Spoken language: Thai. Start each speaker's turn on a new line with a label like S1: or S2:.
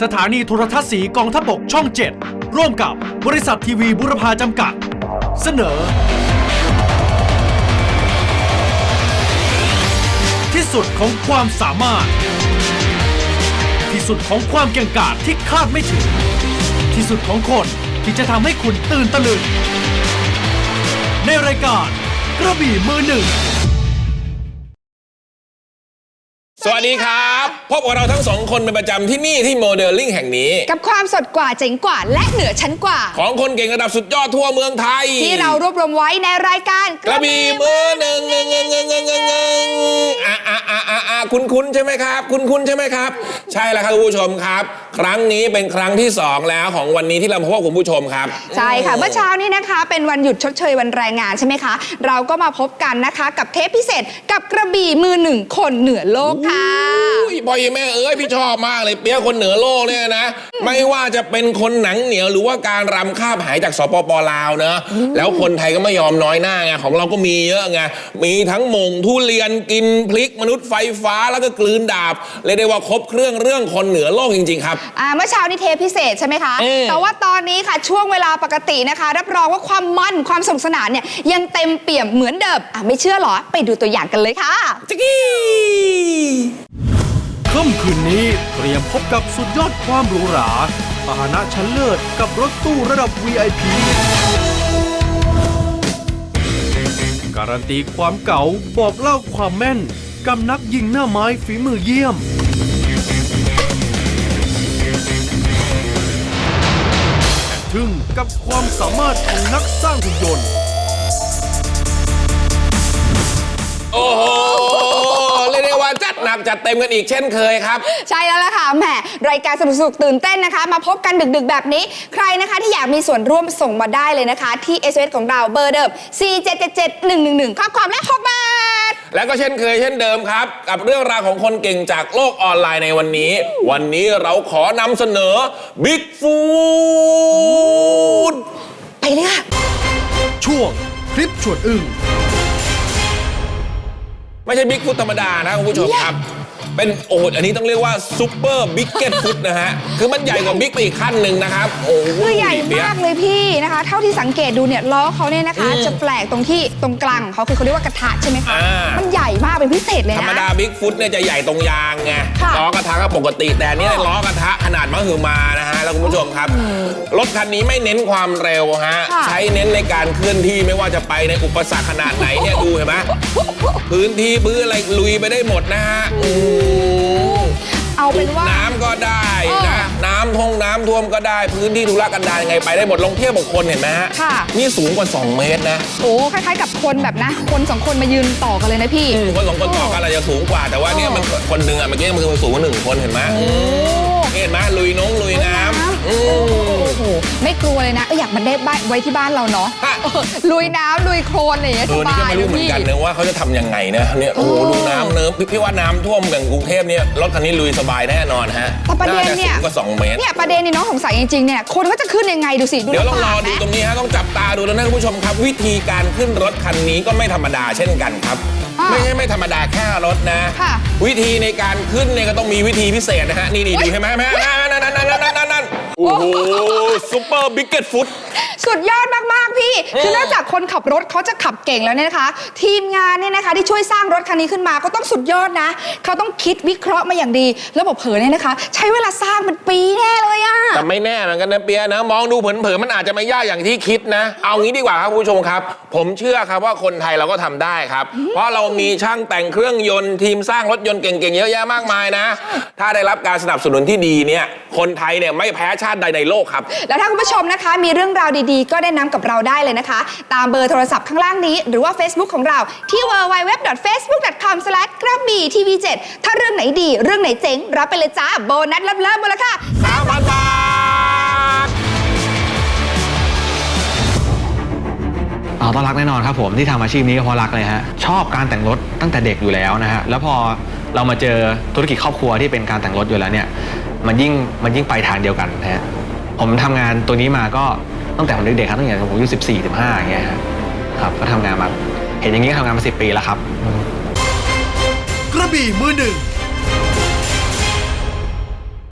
S1: สถานีโทรทัศน์สีกองทัพบกช่อง 7 ร่วมกับบริษัททีวีบุรพาจำกัด เสนอ ที่สุดของความสามารถ ที่สุดของความเก่งกาจที่คาดไม่ถึง ที่สุดของคนที่จะทำให้คุณตื่นตะลึง ในรายการกระบี่มือหนึ่ง
S2: สวัสดีครับพบกับเราทั้งสองคนเป็นประจำที่นี่ที่โมเดลลิ่งแห่งนี้
S3: กับความสดกว่าเจ๋งกว่าและเหนือชั้นกว่า
S2: ของคนเก่งระดับสุดยอดทั่วเมืองไทย
S3: ที่เรารวบรวมไว้ในรายการ
S2: กระบี่มือหนึ่งคุ้นใช่ไหมครับคุ้นใช่ไหมครับใช่แล้วครับคุณผู้ชมครับครั้งนี้เป็นครั้งที่2แล้วของวันนี้ที่เราพบกับคุณผู้ชมครับ
S3: ใช่ค่ะเมื่อเช้านี้นะคะเป็นวันหยุดชดเชยวันแรงงานใช่ไหมคะเราก็มาพบกันนะคะกับเทปพิเศษกับกระบี่มือหนึ่งคนเหนือโลกค่ะ
S2: พ่อแม่พี่ชอบมากเลยเปี๊ยกคนเหนือโลกเนี่ยนะไม่ว่าจะเป็นคนหนังเหนียวหรือว่าการรำคาบหายจากสปป.ลาวเนอะแล้วคนไทยก็ไม่ยอมน้อยหน้าไงของเราก็มีเยอะไงมีทั้งหม่งทุเรียนกินพริกมนุษย์ไฟฟ้าแล้วก็กลืนดาบเรียกได้ว่าครบเครื่องคนเหนือโลกจริงๆครับ
S3: เมื่อเช้านี้เทปพิเศษใช่ไหมคะแต่ว่าตอนนี้ค่ะช่วงเวลาปกตินะคะรับรองว่าความมันความสนุกสนานเนี่ยยังเต็มเปี่ยมเหมือนเดิมไม่เชื่อหรอไปดูตัวอย่างกันเลยค่ะ
S2: จิกกี้
S1: ค่ำคืนนี้เตรียมพบกับสุดยอดความหรูหราพาหนะชั้นเลิศกับรถตู้ระดับ VIP การันตีความเก่าบอกเล่าความแม่นกับนักยิงหน้าไม้ฝีมือเยี่ยมทึ่งกับความสามารถของนักสร้างหุ่นยนต์
S2: โอ้โหเรียกได้ว่าจัดหนักจัดเต็มกันอีกเช่นเคยครับ
S3: ใช่แล้วล่ะค่ะแหมรายการสนุกตื่นเต้นนะคะมาพบกันดึกๆแบบนี้ใครนะคะที่อยากมีส่วนร่วมส่งมาได้เลยนะคะที่ SMS ของเราเบอร์เดิม 4777111 ข้อความและ6 บาท
S2: แล้วก็เช่นเคยเช่นเดิมครับกับเรื่องราวของคนเก่งจากโลกออนไลน์ในวันนี้เราขอนำเสนอ Big Food
S3: ไปเลยค่ะ
S1: ช่วงคลิปชวนอึ้ง
S2: ไม่ใช่บิ๊กฟุตธรรมดานะคุณผู้ชมครับเป็นอันนี้ต้องเรียกว่าซุปเปอร์บิ๊กเก็ตฟุตนะฮะคือมันใหญ่กว่าบิ๊กไปอีกขั้นหนึ่งนะครับ
S3: คือใหญ่มากเลยพี่นะคะเท่าที่สังเกตดูเนี่ยล้อเขาเนี่ยนะคะจะแปลกตรงที่ตรงกลางเขาคือเขาเรียกว่ากระทะใช่ไหมคะมันใหญ่มากเป็นพิเศษเลยนะ
S2: ธรรมดาบิ๊กฟุตเนี่ยจะใหญ่ตรงยางไงล้อกระทะก็ปกติแต่นี่ล้อกระทะขนาดมหึมานะฮะแล้วคุณผู้ชมครับรถคันนี้ไม่เน้นความเร็วฮะใช้เน้นในการเคลื่อนที่ไม่ว่าจะไปในอุปสรรคขนาดไหนเนี่ยดูเห็นไหมพื้นที่พื้นอะไรลุยไปได้หมดนะฮะ
S3: เอาเป็นว่า
S2: น้ำก็ได้นะน้ำท่วมก็ได้พื้นที่ธุรกันดารยังไงไปได้หมดลงเทียบกับคนเห็นไหมฮะนี่สูงกว่า2 เมตรนะ
S3: โอ้คล้ายๆกับคนแบบนะคน2 คนมายืนต่อกันเลยนะพี่
S2: คน2 คนต่อกันอาจจะสูงกว่าแต่ว่าเนี่ยมันคนหนึ่งอ่ะเมื่อกี้มันคือสูงกว่า1 คนเห็นไหมเห็นไหมลุยน้ำ
S3: โอ้โหไม่กลัวเลยนะอยากมันได้ไว้ที่บ้านเราเนาะลุยน้ำลุยโคลนอะไรอย่างเงี้ยสบาย
S2: นี่ก็ไม่รู้เหมือนกันนะว่าเขาจะทำยังไงนะเนี่ยโอ้ดูน้ำเนิ้มพี่ว่าน้ำท่วมอย่างกรุงเทพเนี่ยรถคันนี้ลุยสบายแน่นอนฮะ
S3: แต่ประเด็นเนี่ย
S2: ก็2 เมตร
S3: เนี่ยประเด็นนี่น้องสงสัยจริงๆเนี่ยคนก็จะขึ้นยังไงดูสิ
S2: เดี๋ยวรอดูตรงนี้ฮะต้องจับตาดูนะคุณผู้ชมครับวิธีการขึ้นรถคันนี้ก็ไม่ธรรมดาเช่นกันครับไม่ธรรมดาแค่รถนะวิธีในการขึ้นเนี่ยก็ต้องมีวิธีพิเศษนะฮะนี่ดูใช่ไหมนั่นโอ้โหซุปเปอร์บิ๊กเก็ตฟุต
S3: สุดยอดมากๆพี่คือนอกจากคนขับรถเขาจะขับเก่งแล้วเนี่ยนะคะทีมงานเนี่ยนะคะที่ช่วยสร้างรถคันนี้ขึ้นมาก็ต้องสุดยอดนะเขาต้องคิดวิเคราะห์มาอย่างดีแล้วบอกเผยเนี่ยนะคะใช้เวลาสร้างเป็นปีแน่เลยอะ
S2: แต่ไม่แน่เหมือนกันนะเปียนะมองดูเผินๆมันอาจจะไม่ยากอย่างที่คิดนะเอางี้ดีกว่าครับผู้ชมครับผมเชื่อครับว่าคนไทยเราก็ทำได้ครับเพราะเรามีช่างแต่งเครื่องยนต์ทีมสร้างรถยนต์เก่งๆเยอะแยะมากมายนะถ้าได้รับการสนับสนุนที่ดีเนี่ยคนไทยเนี่ยไม่แพ้ชาติใดในโลกครับ
S3: แล้วถ้าคุณผู้ชมนะคะมีเรื่องราวดีๆก็แนะนำกับเราได้เลยนะคะตามเบอร์โทรศัพท์ข้างล่างนี้หรือว่า Facebook ของเราที่ www.facebook.com/กระบี่ทีวี 7ถ้าเรื่องไหนดีเรื่องไหนเจ๋งรับไปเลยจ้าโบนัสเริ่มมูลค่า
S2: 3,000 บาท
S4: ต้องรักแน่นอนครับผมที่ทำอาชีพนี้ก็เพราะรักเลยฮะชอบการแต่งรถตั้งแต่เด็กอยู่แล้วนะฮะแล้วพอเรามาเจอธุรกิจครอบครัวที่เป็นการแต่งรถอยู่แล้วเนี่ยมันยิ่งไปทางเดียวกันนะฮะผมทำงานตัวนี้มาก็ตั้งแต่ผมเด็กๆครับตั้งแต่ผมอายุ14-15อย่างเงี้ยครับก็ทำงานมาเห็นอย่างนี้ทำงานมา10 ปีแล้วครับ
S1: กระบี่มือหนึ่ง